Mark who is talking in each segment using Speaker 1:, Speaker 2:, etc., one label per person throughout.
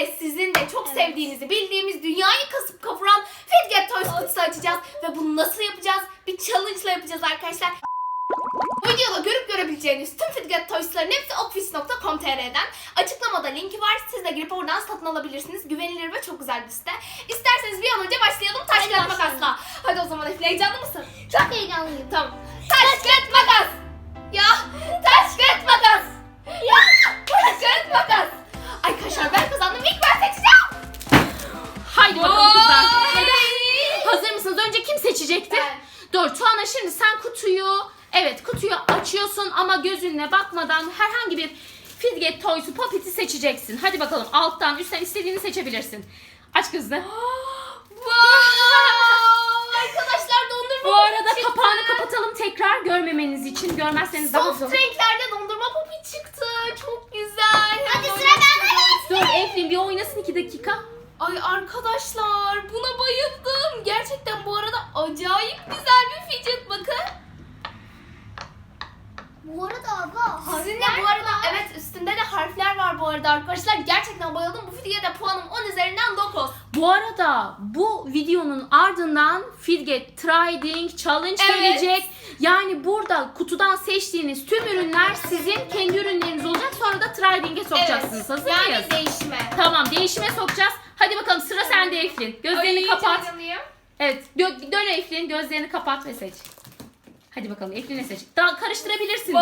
Speaker 1: birlikte sizin de çok sevdiğinizi bildiğimiz dünyayı kasıp kavuran Fidget Toys kutusu açacağız. Ve bunu nasıl yapacağız? Bir challenge ile yapacağız arkadaşlar. Bu videoda görüp görebileceğiniz tüm Fidget Toys'ların hepsi office.com.tr'den. Açıklamada linki var. Siz de girip oradan satın alabilirsiniz. Güvenilir ve çok güzel bir site. İsterseniz bir an önce başlayalım. Taş kağıt makasla. Hadi o zaman Efle, heyecanlı mısın?
Speaker 2: Çok heyecanlıyım.
Speaker 1: Tamam. Taş kağıt makas. Ya taş kağıt makas. Ya taş kağıt makas. Arkadaşlar ben kazandım. İlk ben seçeceğim.
Speaker 3: Haydi bakalım kızlar.
Speaker 1: Hadi.
Speaker 3: Hazır mısınız? Önce kim seçecekti?
Speaker 1: Ben.
Speaker 3: Dur Tuana, şimdi sen kutuyu açıyorsun ama gözünle bakmadan herhangi bir Fidget Toys'u, Poppet'i seçeceksin. Hadi bakalım, alttan üstten istediğini seçebilirsin. Aç kızı.
Speaker 1: Wow. Arkadaşlar dondurma
Speaker 3: Bu arada
Speaker 1: popit çıktı.
Speaker 3: kapağını kapatalım tekrar görmemeniz için. Görmezseniz daha
Speaker 1: Soft
Speaker 3: zor.
Speaker 1: renklerde dondurma popit çıktı. Çok güzel.
Speaker 2: Hadi
Speaker 1: Hemen
Speaker 2: sıra bende.
Speaker 3: Dur Eflin bir oynasın 2 dakika.
Speaker 1: Ay arkadaşlar buna bayıldım. Gerçekten bu arada acayip güzel bir fidget, bakın.
Speaker 2: Bu arada abla
Speaker 1: Sizin de bu arada evet üstünde de harfler var bu arada arkadaşlar. Gerçekten bayıldım. Bu fidget'e puanım 10 üzerinden 9.
Speaker 3: Bu arada bu videonun ardından Fidget Trading Challenge
Speaker 1: Evet.
Speaker 3: gelecek. Yani burada kutudan seçtiğiniz tüm ürünler sizin kendi ürünleriniz olacak. Sonra da Trading'e sokacaksınız. Hazır
Speaker 1: yani
Speaker 3: mıyız?
Speaker 1: değişme.
Speaker 3: Tamam, değişime sokacağız. Hadi bakalım, sıra sende Eflin. Gözlerini
Speaker 1: Ay,
Speaker 3: kapat.
Speaker 1: heyecanlıyım.
Speaker 3: Evet, dön Eflin, gözlerini kapat ve seç. Hadi bakalım, Eflin'e seç. Daha karıştırabilirsin de.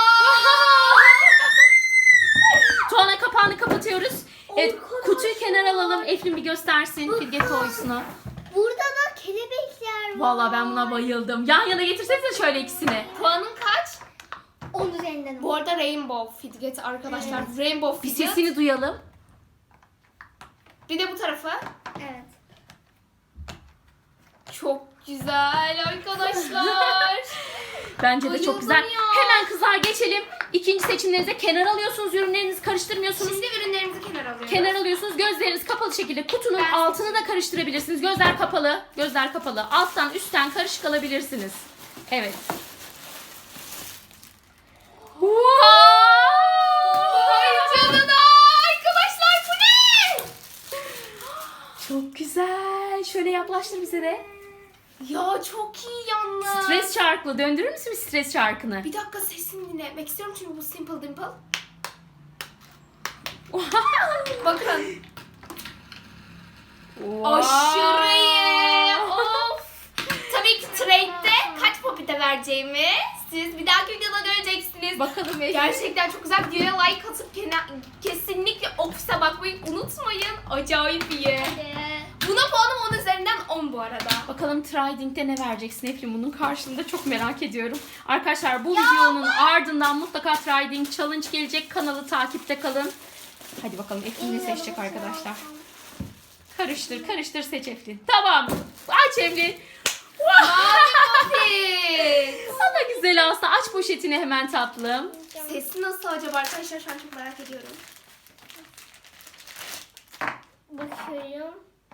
Speaker 3: Tuana, kapağını kapatıyoruz. Evet, kutuyu kenara alalım. Eflin bir göstersin Fidget Toys'unu.
Speaker 2: burada da kelebekler var.
Speaker 3: Vallahi ben buna bayıldım. Yan yana getirsenize şöyle ikisini.
Speaker 1: Puanın kaç?
Speaker 2: 10 üzerinden.
Speaker 1: Bu arada Rainbow Fidget arkadaşlar. Rainbow
Speaker 3: Bir
Speaker 1: Fidget.
Speaker 3: sesini duyalım.
Speaker 1: Bir de bu tarafı.
Speaker 2: Evet.
Speaker 1: Çok güzel arkadaşlar.
Speaker 3: Bence de çok
Speaker 1: Bayıldım
Speaker 3: güzel.
Speaker 1: ya.
Speaker 3: Hemen kızlar geçelim. İkinci seçimlerinize kenar alıyorsunuz. Ürünlerinizi karıştırmıyorsunuz.
Speaker 1: Şimdi ürünlerimizi kenara alıyoruz.
Speaker 3: Kenar alıyorsunuz. Gözleriniz kapalı şekilde kutunun
Speaker 1: Ben
Speaker 3: altını da karıştırabilirsiniz. Gözler kapalı. Gözler kapalı. Alttan üstten karışık alabilirsiniz. Evet.
Speaker 1: Ay canına arkadaşlar, bu ne?
Speaker 3: Çok güzel. Şöyle yaklaştır bize de.
Speaker 1: Ya çok iyi yalnız.
Speaker 3: Stres çarklı. Döndürür müsün bir stres çarkını?
Speaker 1: Bir dakika sesini dinlemek istiyorum çünkü bu Simple Dimple. Bakın. Aşırı iyi. Of. Tabii ki trade'de kaç popite vereceğimi siz bir dahaki videoda göreceksiniz.
Speaker 3: Bakalım Eflin.
Speaker 1: Gerçekten çok güzel. Videoya like atıp kesinlikle ofise bakmayı unutmayın. Acayip iyi. Buna puanım 10 üzerinden 10 bu arada.
Speaker 3: Bakalım Trading'de ne vereceksin Eflin? Bunun karşılığında çok merak ediyorum. Arkadaşlar bu videonun ardından mutlaka Trading Challenge gelecek. Kanalı takipte kalın. Hadi bakalım Eflin ne seçecek arkadaşlar. Karıştır karıştır, seç Eflin. Tamam. Aç Eflin.
Speaker 1: Evet.
Speaker 3: Valla güzel aslında. Aç poşetini hemen tatlım.
Speaker 1: Sesi nasıl acaba arkadaşlar, şu an çok merak ediyorum.
Speaker 2: Bakıyorum.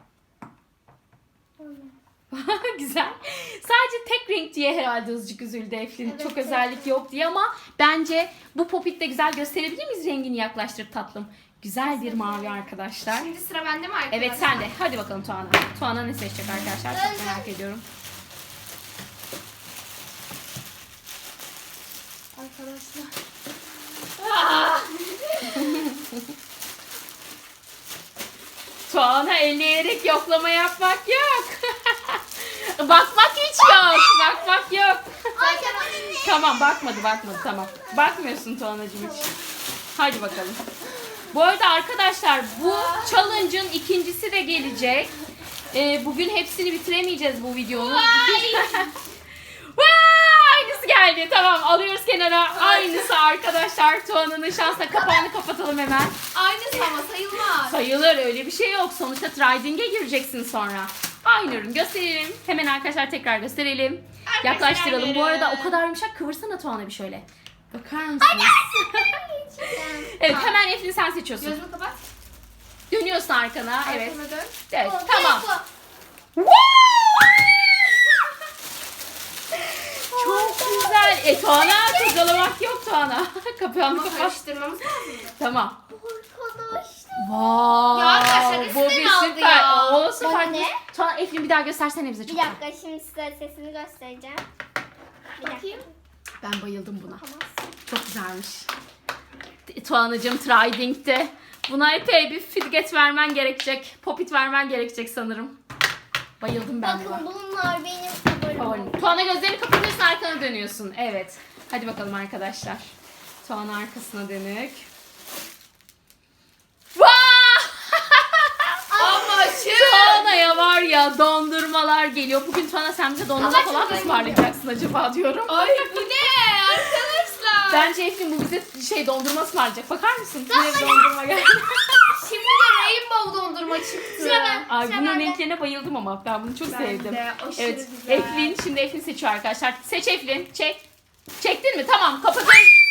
Speaker 3: Güzel. Sadece tek renk diye herhalde azıcık üzüldü Eflin.
Speaker 2: Evet,
Speaker 3: Çok
Speaker 2: evet.
Speaker 3: özellik yok diye ama bence bu popit de güzel, gösterebilir miyiz rengini, yaklaştır tatlım. Güzel bir mavi arkadaşlar.
Speaker 1: Şimdi sıra bende mi arkadaşlar?
Speaker 3: Evet sen de. Hadi bakalım Tuana. Tuana ne seçecek arkadaşlar? Çok merak ediyorum.
Speaker 1: Arkadaşlar.
Speaker 3: Tuana elleyerek yoklama yapmak yok. Bakmak hiç yok. Bakmak yok. Tamam, bakmadı tamam. Bakmıyorsun Tuana'cığım hiç. Hadi bakalım. Bu arada arkadaşlar bu challenge'ın ikincisi de gelecek. Bugün hepsini bitiremeyeceğiz bu videonun. Vay, aynısı geldi. Tamam, alıyoruz kenara. Aynısı arkadaşlar. Tuana'nın şansla kapağını kapatalım hemen.
Speaker 1: Aynısı ama sayılmaz.
Speaker 3: Sayılır, öyle bir şey yok. Sonuçta Trading'e gireceksin sonra. Aynı ürün gösterelim. Hemen arkadaşlar tekrar gösterelim.
Speaker 1: Arkadaşlar
Speaker 3: Yaklaştıralım. Bu arada
Speaker 1: verin.
Speaker 3: o kadar yumuşak, kıvırsana Tuana bir şöyle. Bakar mısınız? Evet, hemen Eflin sen seçiyorsun.
Speaker 1: Gözünü kapat.
Speaker 3: Dönüyorsun arkana. Evet.
Speaker 1: Arkana dön.
Speaker 3: Evet, tamam. Çok güzel. Tuana, kurcalamak yok Tuana. Kapağını
Speaker 1: Ama
Speaker 3: kapat.
Speaker 1: karıştırmamız lazım.
Speaker 3: Tamam.
Speaker 2: Arkadaşlar.
Speaker 3: Vay.
Speaker 1: Ya arkadaşlar,
Speaker 3: bu
Speaker 1: üstüne
Speaker 3: bir
Speaker 1: aldı
Speaker 3: süper.
Speaker 1: ya.
Speaker 3: O süper.
Speaker 2: Bana ne?
Speaker 3: Tuana Eflin bir daha göstersene bize
Speaker 2: Bir
Speaker 3: çok.
Speaker 2: dakika şimdi size sesini göstereceğim. Bir dakika.
Speaker 1: Bakayım.
Speaker 3: Ben bayıldım buna.
Speaker 2: Yapamazsın.
Speaker 3: Çok güzelmiş. Tuana'cığım Triding'de. Buna epey bir fidget vermen gerekecek. Popit vermen gerekecek sanırım. Bayıldım ben
Speaker 2: Bakın
Speaker 3: buna.
Speaker 2: bunlar benim favorim.
Speaker 3: Favorim. Tuana gözlerini kapatıyorsun, arkana dönüyorsun. Evet. Hadi bakalım arkadaşlar. Tuana arkasına dönük.
Speaker 1: Ama şu.
Speaker 3: Tuana'ya var ya dondurmalar geliyor. Bugün Tuana sen bize dondurma
Speaker 1: Ama
Speaker 3: falan mı
Speaker 1: çok
Speaker 3: ısmarlayacaksın acaba diyorum.
Speaker 1: Ay bu ne arkadaşlar?
Speaker 3: Bence Eflin bu bize dondurma ısmarlayacak. Bakar mısın? Yine dondurma geldi.
Speaker 1: Şimdi de rainbow dondurma çıktı.
Speaker 2: Sıra ben.
Speaker 3: Ay
Speaker 2: Sıra
Speaker 3: bunun
Speaker 2: bende.
Speaker 3: renklerine bayıldım ama ben bunu çok
Speaker 1: Ben
Speaker 3: sevdim.
Speaker 1: de, aşırı
Speaker 3: Evet.
Speaker 1: güzel.
Speaker 3: Eflin şimdi Eflin seçiyor arkadaşlar. Seç Eflin. Çek. Çektin mi? Tamam kapatın.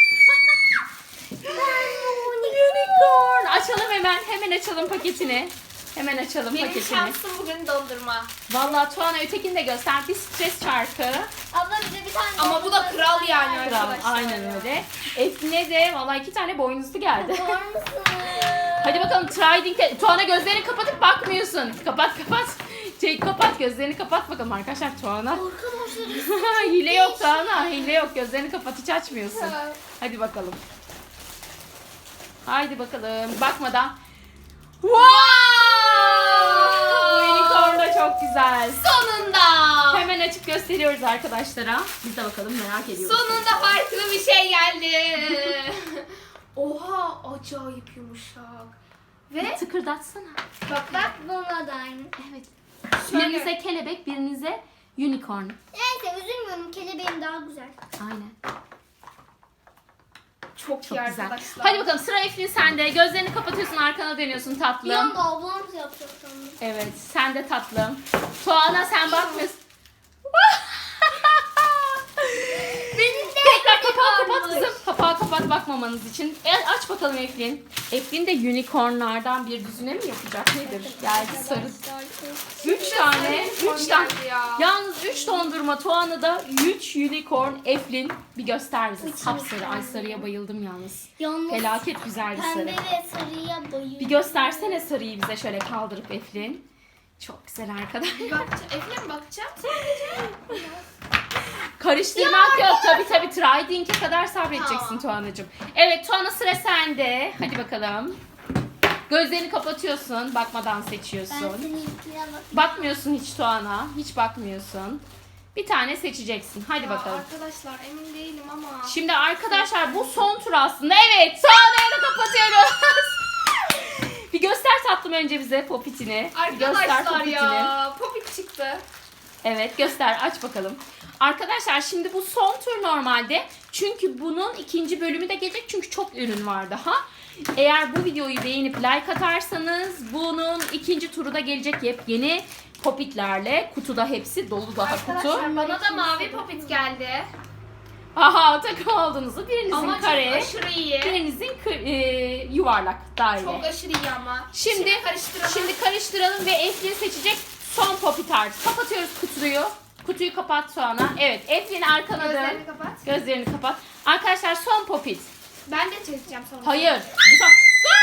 Speaker 3: Unicorn. Açalım hemen. Hemen açalım paketini. Hemen açalım
Speaker 1: Benim
Speaker 3: paketini.
Speaker 1: şansım bugün dondurma.
Speaker 3: Vallahi Tuana ötekini de göster. Bir stres çarkı.
Speaker 2: Abla bize bir tane
Speaker 1: Ama bu da kral yani
Speaker 3: Kral.
Speaker 1: arkadaşlar.
Speaker 3: Aynen öyle. Eflin'e de vallahi 2 tane boynuzlu geldi.
Speaker 2: Var mısınız?
Speaker 3: Hadi bakalım Triding'de. Tuana gözlerini kapatıp bakmıyorsun. Kapat kapat. Çek kapat gözlerini kapat bakalım arkadaşlar Tuana.
Speaker 2: Arkadaşlar
Speaker 3: Hile yok Tuana. Hile yok. Gözlerini kapat hiç açmıyorsun. Hadi bakalım. Haydi bakalım. Bakmadan. Wow! Bu unicorn da çok güzel.
Speaker 1: Sonunda.
Speaker 3: Hemen açıp gösteriyoruz arkadaşlara. Biz de bakalım merak ediyoruz.
Speaker 1: Sonunda farklı bir şey geldi. Oha acayip yumuşak. Ve
Speaker 3: Tıkırdatsana.
Speaker 1: bak
Speaker 2: bak buna da aynı.
Speaker 3: Evet.
Speaker 1: şöyle.
Speaker 3: Birinize kelebek, birinize unicorn.
Speaker 2: Neyse üzülmüyorum kelebeğim daha güzel.
Speaker 3: Aynen.
Speaker 1: Çok,
Speaker 3: Çok
Speaker 1: iyi
Speaker 3: güzel.
Speaker 1: arkadaşlar.
Speaker 3: Hadi bakalım sıra Eflin sende. Gözlerini kapatıyorsun, arkana dönüyorsun
Speaker 2: Bir
Speaker 3: tatlım.
Speaker 2: anda ablam yapacak sandım.
Speaker 3: Evet, sen de tatlım. Tuana sen bakmıyorsun.
Speaker 2: Benim de
Speaker 3: Tekrar kapağı kapat kızım. Kapağı kapat bakmamanız için. Aç bakalım Eflin. Eflin de unicornlardan bir düzine mi yapacak nedir? Geldi sarı. 3 tane. 3 tane.
Speaker 1: Ya.
Speaker 3: Yalnız 3 dondurma Tuana'da 3 unicorn Eflin. Bir göster bize.
Speaker 2: Üç
Speaker 3: Sapsarı.
Speaker 2: unicorn.
Speaker 3: Ay sarıya bayıldım yalnız.
Speaker 2: Yalnız
Speaker 3: Felaket güzel bir sarı.
Speaker 2: pembe ve sarıya bayılıyorum.
Speaker 3: Bir göstersene sarıyı bize şöyle kaldırıp Eflin. Çok güzel arkadaşlar.
Speaker 1: Efendim bakacağım.
Speaker 3: Karıştırmak yok. Tabii Triding'e kadar sabredeceksin
Speaker 1: Tamam.
Speaker 3: Tuana'cığım. Evet Tuana sıra sende. Hadi bakalım. Gözlerini kapatıyorsun. Bakmadan
Speaker 2: Ben
Speaker 3: seçiyorsun.
Speaker 2: seninkine bak.
Speaker 3: Bakmıyorsun hiç Tuana. Hiç bakmıyorsun. Bir tane seçeceksin. Hadi bakalım.
Speaker 1: Arkadaşlar emin değilim ama.
Speaker 3: Şimdi arkadaşlar bu son tur aslında. Evet Tuana'yı da kapatıyoruz. Bir göster tatlım önce bize popitini. Bir göster
Speaker 1: Arkadaşlar
Speaker 3: popitini.
Speaker 1: ya popit çıktı.
Speaker 3: Evet göster aç bakalım. Arkadaşlar şimdi bu son tur normalde. Çünkü bunun ikinci bölümü de gelecek. Çünkü çok ürün var daha. Eğer bu videoyu beğenip like atarsanız bunun ikinci turu da gelecek yepyeni popitlerle. Kutuda hepsi dolu daha kutu.
Speaker 1: Arkadaşlar bana da mavi popit geldi.
Speaker 3: Aha takım olduğunuzu birinizin
Speaker 1: Ama
Speaker 3: kare,
Speaker 1: çok aşırı iyi.
Speaker 3: birinizin yuvarlak daire.
Speaker 1: Çok aşırı iyi ama.
Speaker 3: Şimdi karıştıralım ve Eflin seçecek son popit artık. Kapatıyoruz kutuyu. Kutuyu kapat Tuana. Evet Eflin arkana dön.
Speaker 1: Gözlerini kapat.
Speaker 3: Gözlerini kapat. Arkadaşlar son popit.
Speaker 1: Ben de çekeceğim sonra.
Speaker 3: Hayır. Bu son.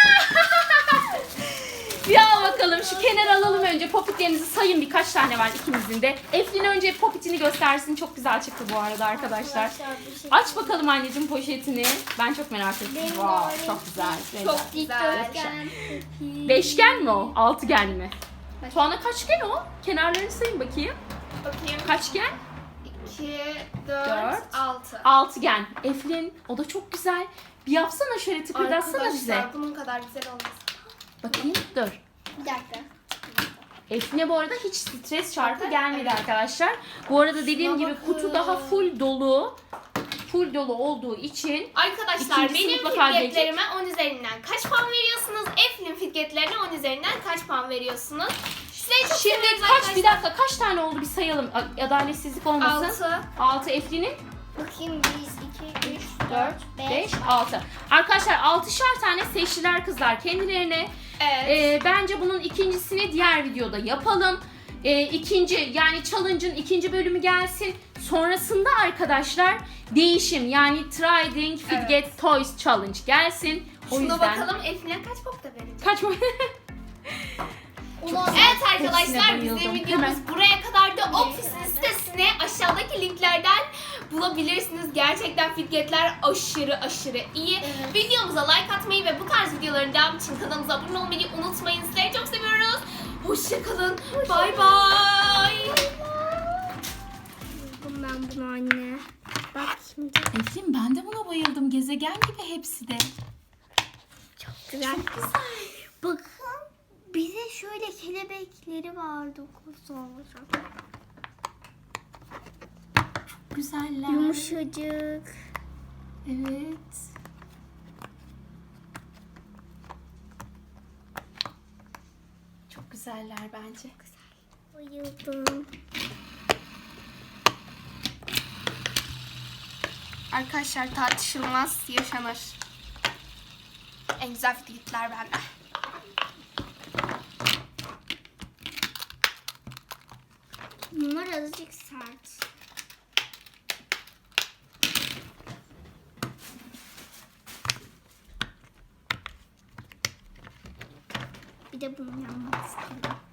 Speaker 3: Bir al bakalım. Şu kenara alalım önce. Popitlerinizi sayın. Birkaç tane var ikimizin de. Eflin önce popitini göstersin. Çok güzel çıktı bu arada arkadaşlar.
Speaker 2: bir şey.
Speaker 3: Aç bakalım anneciğim poşetini. Ben çok merak ettim.
Speaker 2: Benim
Speaker 3: Wow,
Speaker 2: var.
Speaker 3: çok güzel.
Speaker 1: Çok güzel.
Speaker 2: Dikdörtgen.
Speaker 3: Beşgen mi o? Altıgen mi? Tuana kaçgen o? Kenarlarını sayın bakayım.
Speaker 1: Bakayım.
Speaker 3: Kaçgen?
Speaker 1: 2,
Speaker 3: Dört.
Speaker 1: 4, 6.
Speaker 3: Altıgen. Eflin o da çok güzel. Bir yapsana şöyle tıkırdatsana bize.
Speaker 1: Arkadaşlar bunun kadar güzel olmaz.
Speaker 3: Bakayım dur.
Speaker 2: Bir dakika.
Speaker 3: Eflin'e bu arada hiç stres çarpı gelmedi arkadaşlar. Bu arada dediğim
Speaker 1: Şuna
Speaker 3: gibi
Speaker 1: bakın.
Speaker 3: kutu daha full dolu. Full dolu olduğu için
Speaker 1: Arkadaşlar
Speaker 3: İkincisi
Speaker 1: benim
Speaker 3: mutlaka
Speaker 1: fidgetlerime 10 üzerinden kaç puan veriyorsunuz? Eflin fidgetlerine 10 üzerinden kaç puan veriyorsunuz? Size çok
Speaker 3: şimdi
Speaker 1: seviyoruz
Speaker 3: bir dakika kaç tane oldu bir sayalım. Adaletsizlik olmasın.
Speaker 1: 6.
Speaker 3: 6 Eflin'in.
Speaker 2: Bakayım 1, 2, 3,
Speaker 3: 4,
Speaker 2: 4,
Speaker 3: 5, 6. Arkadaşlar 6'şar tane seçtiler kızlar kendilerine.
Speaker 1: Evet.
Speaker 3: Bence bunun ikincisini diğer videoda yapalım. İkinci yani challenge'ın ikinci bölümü gelsin. Sonrasında arkadaşlar değişim yani Triding Fidget Toys Challenge gelsin. O
Speaker 1: Şuna
Speaker 3: yüzden...
Speaker 1: bakalım Eflin kaç pop da verelim.
Speaker 3: Kaç mı?
Speaker 1: Evet arkadaşlar
Speaker 3: Hepsine
Speaker 1: bizim
Speaker 3: bayıldım.
Speaker 1: videomuz
Speaker 3: Hemen.
Speaker 1: buraya kadar da ofisin sitesine aşağıdaki linklerden bulabilirsiniz. Gerçekten fidgetler aşırı iyi.
Speaker 2: Evet.
Speaker 1: Videomuza like atmayı ve bu tarz videoların devamı için kanalımıza abone olmayı unutmayın. Sizleri çok seviyoruz. Hoşçakalın. Bay bay.
Speaker 2: Ben bunu anne. Bak şimdi
Speaker 3: Eflin ben de buna bayıldım. Gezegen gibi hepsi de.
Speaker 2: çok güzel. Bakın bir de şöyle kelebekleri var. Dokusu olacak.
Speaker 3: Güzeller.
Speaker 2: Yumuşacık.
Speaker 3: Evet. Çok güzeller bence.
Speaker 2: Bayıldım.
Speaker 1: Arkadaşlar tartışılmaz yaşanır. En güzel fidgetler bende.
Speaker 2: Bunlar azıcık sert. Bir de bunun yanmak istiyorum.